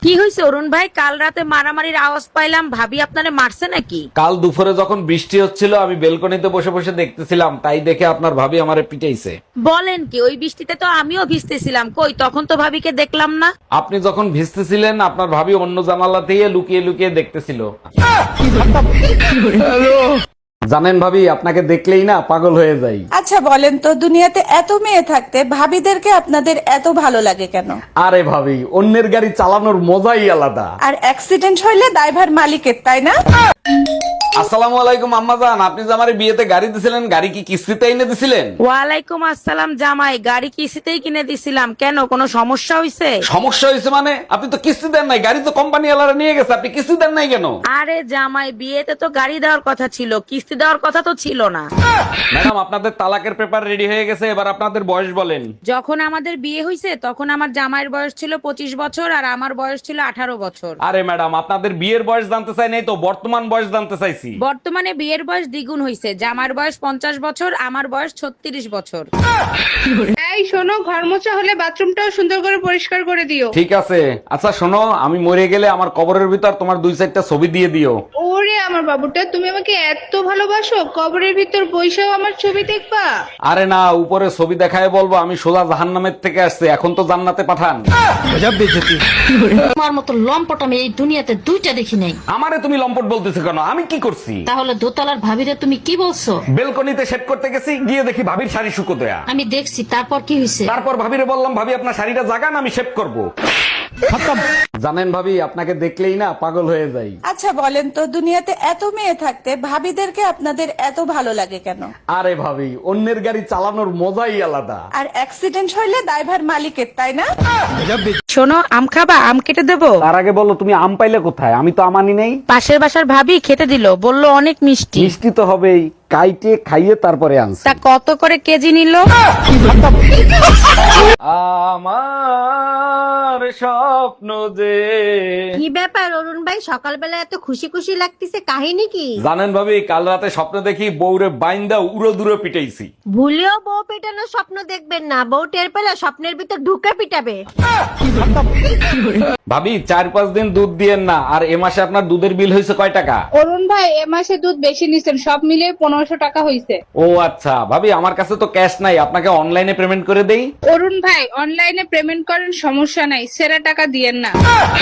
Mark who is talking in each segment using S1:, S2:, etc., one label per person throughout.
S1: কি হয়েছে অরুণ ভাই? কাল রাতে মারামারির আওয়াজ পাইলাম, ভাবি আপনারে মারছে নাকি?
S2: কাল দুপুরে যখন বৃষ্টি হচ্ছিল আমি বেলকনিতে বসে বসে দেখতেছিলাম, তাই দেখে আপনার ভাবি আমারে পিটাইছে।
S1: বলেন কি? ওই বৃষ্টিতে তো আমিও ভিজতেছিলাম, কই তখন তো ভাবিকে দেখলাম না।
S2: আপনি যখন ভিজতেছিলেন আপনার ভাবি অন্য জানালা থেকে লুকিয়ে লুকিয়ে দেখতেছিল। জানেন ভাবি, আপনাকে দেখলেই না পাগল হয়ে যাই।
S3: আচ্ছা বলেন তো, দুনিয়াতে এত মেয়ে থাকতে ভাবিদেরকে আপনাদের এত ভালো লাগে কেন?
S2: আরে ভাবি, অন্যের গাড়ি চালানোর মজাই আলাদা।
S3: আর অ্যাক্সিডেন্ট হইলে দায়ভার মালিকের, তাই না?
S2: আসসালামু আলাইকুম আম্মাজান, আপনি যে আমারে বিয়েতে গাড়ি দিছিলেন, গাড়ি কি কিস্তিতে এনে দিছিলেন?
S1: ওয়ালাইকুম আসসালাম জামাই, গাড়ি কিস্তিতেই কিনে দিছিলাম। কেন, কোনো সমস্যা হয়েছে?
S2: সমস্যা হয়েছে মানে? আপনি তো কিস্তি দেন নাই, গাড়ি তো কোম্পানি ওয়ালারা নিয়ে গেছে, আপনি কিস্তি দেন নাই কেন?
S1: আরে জামাই, বিয়েতে তো গাড়ি দেওয়ার কথা ছিল, কিস্তি দেওয়ার কথা তো ছিল না।
S2: ম্যাডাম, আপনাদের তালাকের পেপার রেডি হয়ে গেছে, এবার আপনাদের বয়স বলেন।
S1: যখন আমাদের বিয়ে হয়েছে তখন আমার জামাইয়ের বয়স ছিল 25 বছর আর আমার বয়স ছিল 18 বছর।
S2: আরে ম্যাডাম, আপনাদের বিয়ের বয়স জানতে চাই নাই তো, বর্তমান বয়স জানতে চাইছি।
S1: বর্তমানে বিয়ের বয়স দ্বিগুণ হয়েছে, জামার বয়স 50 বছর, আমার বয়স 36 বছর।
S4: এই শোনো, ঘর মোছা হলে বাথরুমটাও সুন্দর করে পরিষ্কার করে দিও।
S2: ঠিক আছে। আচ্ছা শোনো, আমি মরে গেলে আমার কবরের ভিতর তোমার 2-4টা ছবি দিয়ে দিও।
S4: ওরে আমার বাবুটা, তুমি আমাকে এত ভালোবাসো, কবরের ভিতর বইসাও আমার ছবি দেখবা?
S2: আরে না, উপরে ছবি দেখায় বলবো আমি সোজা জাহান্নামের থেকে আসছে, এখন তো জান্নাতে পাঠান।
S5: তোমার মতো লম্পট আমি এই দুনিয়াতে দুইটা দেখি নাই।
S2: আমারে তুমি লম্পট বলতেছো কেন? আমি কি করছি?
S5: তাহলে দোতলার ভাবিরে তুমি কি বলছো?
S2: বেলকনিতে সেট করতে গেছি, গিয়ে দেখি ভাবির শাড়ি শুকো দেয়া।
S5: আমি দেখছি, তারপর কি হয়েছে?
S2: তারপর ভাবিরে বললাম, ভাবি আপনার শাড়িটা জাগান, আমি শেভ করব। জানেন ভাবি, আপনাকে দেখলেই না পাগল হয়ে যাই।
S3: আচ্ছা বলেন তো, দুনিয়াতে এত মেয়ে থাকতে ভাবিদেরকে আপনাদের এত ভালো লাগে কেন?
S2: আরে ভাবি, অন্যের গাড়ি চালানোর মজাই আলাদা।
S3: আর অ্যাক্সিডেন্ট হইলে দায়ভার মালিকের, তাই না?
S1: শোনো, আম খাবা? আম কেটে দেবো?
S2: তার আগে বলো, তুমি আম পাইলে কোথায়? আমি তো আমানি নেই।
S1: পাশের বাসার ভাবি খেতে দিল, বললো অনেক মিষ্টি।
S2: মিষ্টি তো হবেই, কাইটে খাইয়ে তারপরে আনছি।
S1: তা কত করে কেজি নিল?
S2: আমার স্বপ্ন যে।
S6: কি ব্যাপার অরুণ ভাই, সকালবেলা এত খুশি খুশি লাগতেছে, কাহিনী কি?
S2: জানেন ভাবি, কাল রাতে স্বপ্ন দেখি বউরে বাইন্দা উড়ো দূরে পিটাইছি।
S6: ভুলেও বউ পেটানোর স্বপ্ন দেখবেন না, বউ টের পেলে স্বপ্নের ভিতর ঢুকে পিটাবে।
S2: ভাবি, 4-5 দিন দুধ দিয়েন না। আর এ মাসে আপনার দুধের বিল হয়েছে কয় টাকা?
S4: অরুণ ভাই, এ মাসে দুধ বেশি নিছেন, সব মিলিয়ে 1500 টাকা হইছে।
S2: ও আচ্ছা ভাবি, আমার কাছে তো ক্যাশ নাই, আপনাকে অনলাইনে পেমেন্ট করে দেই।
S4: অরুণ ভাই, অনলাইনে পেমেন্ট করেন, সমস্যা নাই, সেরা টাকা দিয়েন না।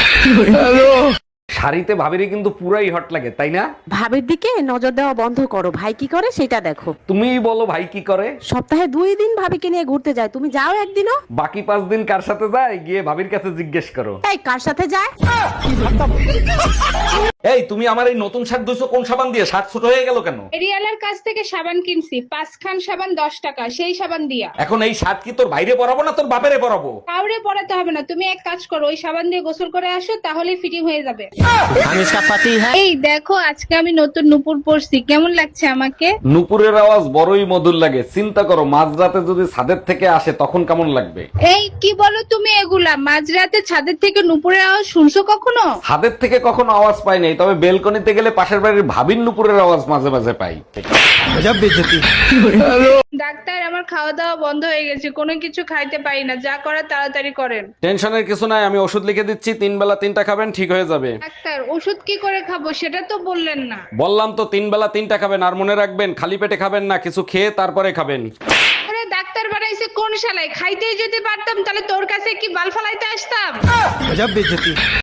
S2: শাড়িতে ভাবিরে কিন্তু পুরাই হট লাগে, তাই না?
S7: ভাবির দিকে নজর দেওয়া বন্ধ করো, ভাই কি করে সেটা দেখো।
S2: তুমিই বলো, ভাই কি করে?
S7: সপ্তাহে 2 দিন ভাবিকে নিয়ে ঘুরতে যায়, তুমি যাও একদিনও?
S2: বাকি 5 দিন কার সাথে যায় গিয়ে ভাবির কাছে জিজ্ঞেস করো।
S7: এই কার সাথে যায়?
S2: এই, তুমি আমার এই নতুন শার্ট ধুইছো কোন সাবান দিয়ে? শার্ট ছোট হয়ে গেল কেন?
S4: এরিয়ালার কাছ থেকে সাবান কিনছি, 5 খান সাবান 10 টাকা, সেই সাবান দিয়া।
S2: এখন এই শার্ট কি তোর বাইরে পরাবো না তোর বাপেরে পরাবো?
S4: কাউরে পড়াতে হবে না, তুমি এক কাজ করো, ওই সাবান দিয়ে গোসল করে আসো, তাহলেই ফিটিং হয়ে যাবে। এই দেখো, আজকে আমি নতুন নুপুর পরছি, কেমন লাগছে আমাকে?
S2: নুপুরের আওয়াজ বড়ই মধুর লাগে। চিন্তা করো, মাঝরাতে যদি ছাদের থেকে আসে তখন কেমন লাগবে?
S4: এই কি বলো তুমি এগুলা? মাঝরাতে ছাদের থেকে নুপুরের আওয়াজ শুনছো কখনো?
S2: ছাদের থেকে কখনো আওয়াজ পাই নাই, তবে বেলকনিতে গেলে পাশের বাড়ির ভাবির নুপুরের আওয়াজ মাঝে মাঝে পাই।
S4: ডাক্তার, আমার খাওয়া দাওয়া বন্ধ হয়ে গেছে, কোনো কিছু খাইতে পারি না, যা করার তাড়াতাড়ি করেন।
S2: টেনশনের কিছু নাই, আমি ওষুধ লিখে দিচ্ছি, 3 বেলা 3টা খাবেন, ঠিক হয়ে যাবে।
S4: ডাক্তার, ওষুধ কি করে খাবো সেটা তো বললেন না।
S2: বললাম তো 3 বেলা 3টা খাবেন, আর মনে রাখবেন খালি পেটে খাবেন না, কিছু খেয়ে তারপরে খাবেন।
S4: আরে ডাক্তার বানাইছে কোন শালায়? খাইতেই যদি পারতাম তাহলে তোর কাছে কি বাল ফালাইতে আসতাম।